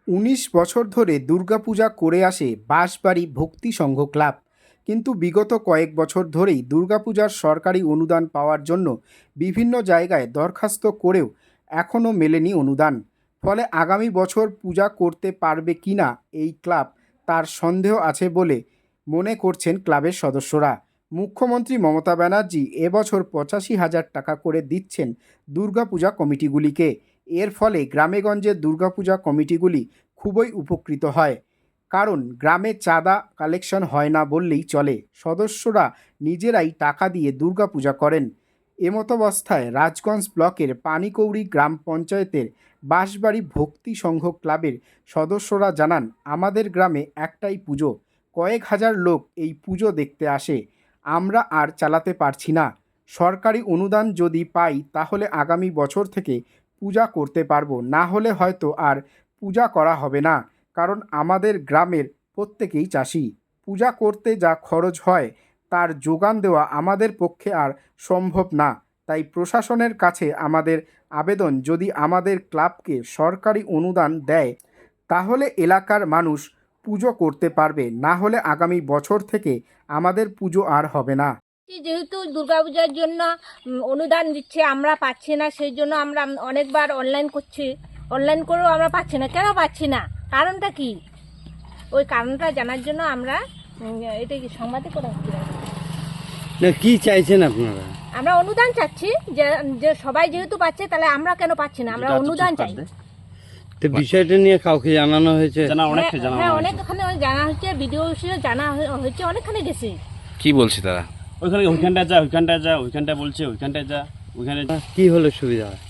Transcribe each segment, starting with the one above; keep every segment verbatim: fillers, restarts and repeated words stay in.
উনিশ বছর ধরে দুর্গাপূজা করে আসে বাঁশবাড়ি ভক্তি সংঘ ক্লাব। কিন্তু বিগত কয়েক বছর ধরেই দুর্গাপূজার সরকারি অনুদান পাওয়ার জন্য বিভিন্ন জায়গায় দরখাস্ত করেও এখনও মেলেনি অনুদান। ফলে আগামী বছর পূজা করতে পারবে কিনা এই ক্লাব তার সন্দেহ আছে বলে মনে করছেন ক্লাবের সদস্যরা। মুখ্যমন্ত্রী মমতা ব্যানার্জি এবছর পঁচাশি হাজার টাকা করে দিচ্ছেন দুর্গাপূজা কমিটিগুলিকে। এর ফলে গ্রামেগঞ্জের দুর্গাপূজা কমিটিগুলি খুবই উপকৃত হয়, কারণ গ্রামে চাঁদা কালেকশন হয় না বললেই চলে। সদস্যরা নিজেরাই টাকা দিয়ে দুর্গাপূজা করেন। এমতাবস্থায় রাজগঞ্জ ব্লকের পানিকৌড়ি গ্রাম পঞ্চায়েতের বাঁশবাড়ি ভক্তি সংঘ ক্লাবের সদস্যরা জানান, আমাদের গ্রামে একটাই পুজো, কয়েক হাজার লোক এই পুজো দেখতে আসে, আমরা আর চালাতে পারছি না। সরকারি অনুদান যদি পাই তাহলে আগামী বছর থেকে পূজা করতে পারবো, না হলে হয়তো আর পূজা করা হবে না, কারণ আমাদের গ্রামের প্রত্যেকেই চাষি। পূজা করতে যা খরচ হয় তার যোগান দেওয়া আমাদের পক্ষে আর সম্ভব না। তাই প্রশাসনের কাছে আমাদের আবেদন, যদি আমাদের ক্লাবকে সরকারি অনুদান দেয় তাহলে এলাকার মানুষ পুজো করতে পারবে, না হলে আগামী বছর থেকে আমাদের পুজো আর হবে না। যেহেতু দুর্গাপূজার জন্য অনুদান দিচ্ছে, আমরা পাচ্ছি না, সেই জন্য আমরা অনেকবার অনলাইন করছি, অনলাইন করেও আমরা পাচ্ছি না। কেন পাচ্ছি না, কারণটা কি, ওই কারণটা জানার জন্য আমরা এটা কি সংবাদে করা হচ্ছে না, কি চাইছেন আপনারা? আমরা অনুদান চাচ্ছি, যে যে সবাই যেহেতু পাচ্ছে তাহলে আমরা কেন পাচ্ছি না, আমরা অনুদান চাই। তো বিষয়টা নিয়ে কাউকে জানানো হয়েছে? হ্যাঁ, অনেকখানে জানা হচ্ছে, ভিডিও হিসেবে জানা হয়েছে, অনেকখানে গেছে। কি বলছে তারা? ওইখানে ওইখানটা যা ওইখানটা যা ওইখানটা বলছে ওইখানটা যা ওইখানে কি হলে সুবিধা হয়?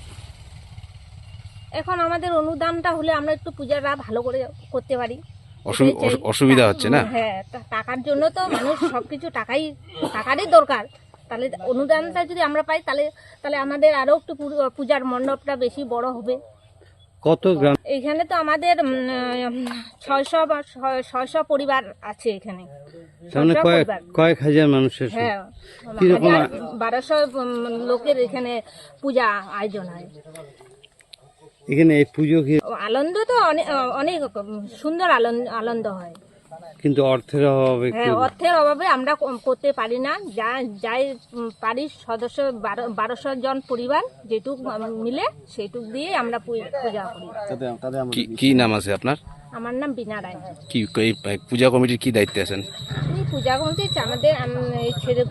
এখন আমাদের অনুদানটা হলে আমরা একটু পূজাটা ভালো করে করতে পারি। অসুবিধা হচ্ছে না? হ্যাঁ, টাকার জন্য তো মানুষ সবকিছু টাকাই টাকারই দরকার। তাহলে অনুদানটা যদি আমরা পাই তাহলে তাহলে আমাদের আরো একটু পূজার মণ্ডপটা বেশি বড় হবে। কত গ্রাম? এখানে তো আমাদের ছয়শো বা ছয়শো পরিবার আছে এখানে। মানে কয়েক কয়েক হাজার মানুষের? হ্যাঁ, কিরকম? বারোশো লোকের এখানে পূজা আয়োজন হয়। এখানে এই পুজো কি আনন্দ তো অনেক অনেক সুন্দর আনন্দ হয়, কিন্তু অর্থের অভাবে? হ্যাঁ, অর্থের অভাবে আমরা করতে পারি না। যা যাই পারি সদস্য বারোশো জন পরিবার যেটুক মিলে সেইটুক দিয়ে আমরা পূজা করি। কি নাম আছে আপনার? আমার নাম বিনা রায়। কি পূজা কমিটির কি দায়িত্বে আছেন? পূজা কমিটি আমাদের ছেলে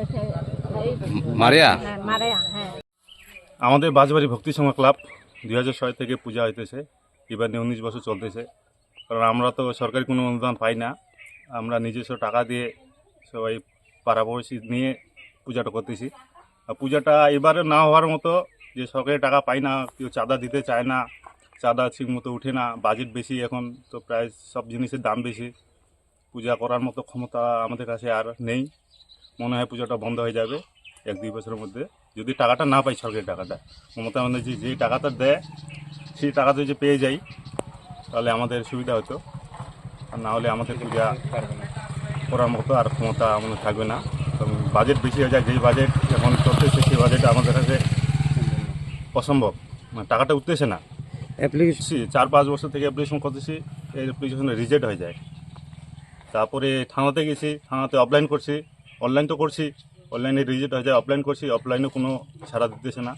মারিয়া মারিয়া হ্যাঁ। আমাদের বাঁশবাড়ি ভক্তি সংঘ ক্লাব দুই হাজার ছয় থেকে পূজা হইতেছে, এবার নিয়ে উনিশ বছর চলতেছে। কারণ আমরা তো সরকারি কোনো অনুদান পাই না, আমরা নিজস্ব টাকা দিয়ে সবাই পাড়াপড়শি নিয়ে পূজাটা করতেছি। আর পূজাটা এবারে না হওয়ার মতো, যে সরকারি টাকা পাই না, কেউ চাঁদা দিতে চায় না, চাঁদা ঠিক মতো উঠে না, বাজেট বেশি, এখন তো প্রায় সব জিনিসের দাম বেশি, পূজা করার মতো ক্ষমতা আমাদের কাছে আর নেই। মনে হয় পূজাটা বন্ধ হয়ে যাবে এক দুই বছরের মধ্যে, যদি টাকাটা না পাই, সরকারি টাকাটা। মমতা ব্যানার্জি যে টাকাটা দেয় সেই টাকাটা যদি পেয়ে যাই তাহলে আমাদের সুবিধা হতো, আর না হলে আমাদের পূজা করার মতো আর ক্ষমতা আমাদের থাকবে না। বাজেট বেশি হয়ে যায়, যেই বাজেট এখন চলতেছে সেই বাজেট আমাদের কাছে অসম্ভব, মানে টাকাটা উঠতেছে না। অ্যাপ্লিকেশন চার পাঁচ বছর থেকে অ্যাপ্লিকেশন করতেছি, এই অ্যাপ্লিকেশনে রিজেক্ট হয়ে যায়। তারপরে থানাতে গেছি, থানাতে অফলাইন করছি, অনলাইন তো করছি, অনলাইনে রিজেক্ট হয়ে যায়, অফলাইন করছি, অফলাইনে কোনো ছাড়া দিতেছে না।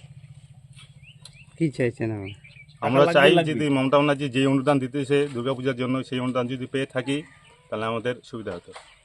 কি চাইছেন? আমরা চাই যদি মমতা ব্যানার্জি যে অনুদান দিতেছে দুর্গাপূজার জন্য, সেই অনুদান যদি পেয়ে থাকি তাহলে আমাদের সুবিধা হতো।